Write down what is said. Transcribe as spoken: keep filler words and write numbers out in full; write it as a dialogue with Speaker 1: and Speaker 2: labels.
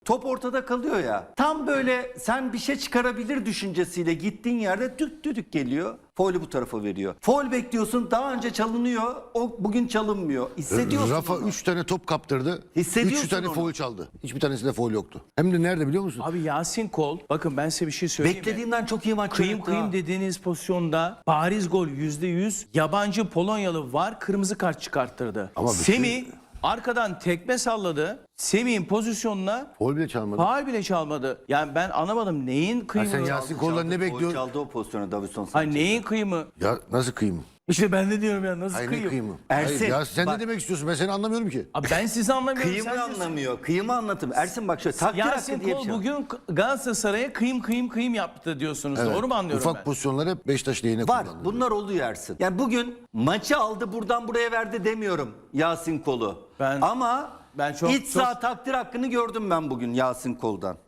Speaker 1: Top ortada kalıyor ya. Tam böyle sen bir şey çıkarabilir düşüncesiyle gittiğin yerde düt düdük geliyor. Faulü bu tarafa veriyor. Faul bekliyorsun, daha önce çalınıyor. O bugün çalınmıyor. Hissediyorsun
Speaker 2: Rafa
Speaker 1: onu.
Speaker 2: üç tane top kaptırdı.
Speaker 1: Hissediyorsun
Speaker 2: üç tane
Speaker 1: onu.
Speaker 2: foul çaldı. Hiçbir tanesinde foul yoktu. Hem de nerede biliyor musun?
Speaker 3: Abi Yasin Kol, bakın ben size bir şey söyleyeyim mi?
Speaker 1: Beklediğimden çok iyi maç
Speaker 3: Kıyım
Speaker 1: oynadı
Speaker 3: kıyım
Speaker 1: ha.
Speaker 3: dediğiniz pozisyonda bariz gol yüzde yüz. Yabancı Polonyalı var, kırmızı kart çıkarttırdı.
Speaker 2: Ama bütün-
Speaker 3: Semih arkadan tekme salladı. Semih'in pozisyonuna
Speaker 2: Foul bile çalmadı.
Speaker 3: faul bile çalmadı. Yani ben anlamadım neyin
Speaker 2: Ha,
Speaker 3: kıyımı?
Speaker 2: sen Yasin Kol'dan ne
Speaker 1: Faul
Speaker 2: bekliyorsun?
Speaker 1: çaldı o pozisyona Davinson
Speaker 3: Hayır
Speaker 1: Sanchez.
Speaker 3: neyin kıyımı?
Speaker 2: Ya nasıl kıyım?
Speaker 3: İşte ben de diyorum ya nasıl
Speaker 2: Hayır ne
Speaker 3: kıyım?
Speaker 2: kıyımı?
Speaker 1: Ersin,
Speaker 2: Hayır, ya sen
Speaker 1: bak-
Speaker 2: ne demek istiyorsun? Ben seni anlamıyorum ki.
Speaker 3: Abi ben sizi anlamıyorum.
Speaker 1: Kıyımı
Speaker 3: sen diyorsun.
Speaker 1: anlamıyor. Kıyımı anlatım. Ersin bak şöyle takdir
Speaker 3: Yasin
Speaker 1: hakkı diye bir
Speaker 3: Kol
Speaker 1: şey var.
Speaker 3: bugün Galatasaray'a kıyım kıyım kıyım yaptı diyorsunuz.
Speaker 2: Evet.
Speaker 3: Doğru mu anlıyorum
Speaker 2: Ufak
Speaker 3: ben?
Speaker 2: pozisyonları hep Beşiktaş lehine
Speaker 1: Var.
Speaker 2: kullandı.
Speaker 1: Bunlar oluyor Ersin. Yani bugün maçı aldı buradan buraya verdi demiyorum Yasin Kol'u.
Speaker 3: Ben-
Speaker 1: Ama
Speaker 3: ben çok-
Speaker 1: iç
Speaker 3: çok-
Speaker 1: saha takdir hakkını gördüm ben bugün Yasin Kol'dan.